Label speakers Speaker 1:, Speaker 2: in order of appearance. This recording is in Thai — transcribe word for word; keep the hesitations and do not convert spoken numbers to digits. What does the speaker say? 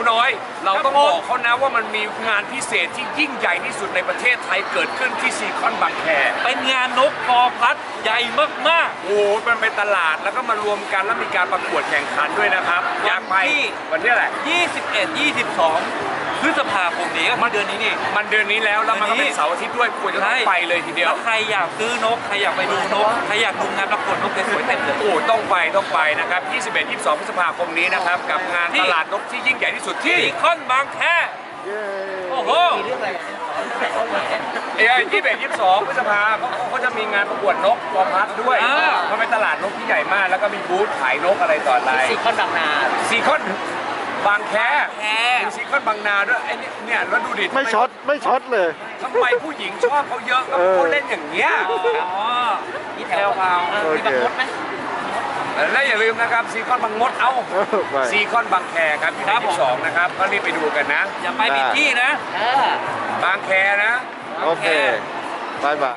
Speaker 1: น้อยเราต้องบอกเขานะว่ามันมีงานพิเศษที่ยิ่งใหญ่ที่สุดในประเทศไทยเกิดขึ้นที่ซีคอนบางแค
Speaker 2: เป็นงานนกพอพัดใหญ่มาก
Speaker 1: ๆโอ้มันเป็นตลาดแล้วก็มารวมกันแล้วมีการประกวดแข่งขันด้วยนะครับอยากไปวันที่อะไร
Speaker 2: ยี่สิบเอ็ด ยี่สิบสองพฤษภาคมนี้ก็มันเดือนนี้นี่
Speaker 1: มันเดือนนี้แล้วแล้วมันก็เป็นเสาร์อาทิตย์ด้วยควรจะต้องไปเลยทีเดียว
Speaker 2: ใครอยากซื้อนกใครอยากไปดูนกใครอยากดูงานประกวดนกสวยๆเต็มเลย
Speaker 1: โอ้ต้องไปต้องไปนะครับยี่สิบเอ็ด ยี่สิบสองพฤษภาคมนี้นะครับกับงานตลาดนกที่ยิ่งใหญ่ที่สุดที่
Speaker 2: ซีคอนบางแคโอ้โห
Speaker 3: มีเรื่องอะไร
Speaker 1: เอ้ยยี่สิบเอ็ด ยี่สิบสองพฤษภาเขาเขาจะมีงานประกวดนกพอพัดด้วยมันเป็นตลาดนกที่ใหญ่มากแล้วก็มีบูธขายนกอะไรต่ออะไร
Speaker 3: ซีคอนบางนา
Speaker 1: ซีคอนบางแคมีซีคอนบางนาด้วยไอ้นี่เนี่ยแล้วดูดิ
Speaker 4: ไม่ช็อตไม่ช็อตเลย
Speaker 1: ทำไมผู้หญิงชอบเขาเยอะก็เขาเล่นอย่างเงี้ย
Speaker 2: อ๋อ
Speaker 3: มีแถวพาวมีบางมดไหม
Speaker 1: และอย่าลืมนะครับซีคอนบางมดเอาซีคอนบางแคครับที่ยี่สิบสองนะครับก็รีบไปดูกันนะ
Speaker 2: อย่าไปผิดที่นะ
Speaker 1: บางแคนะ
Speaker 4: โอเคบายบาย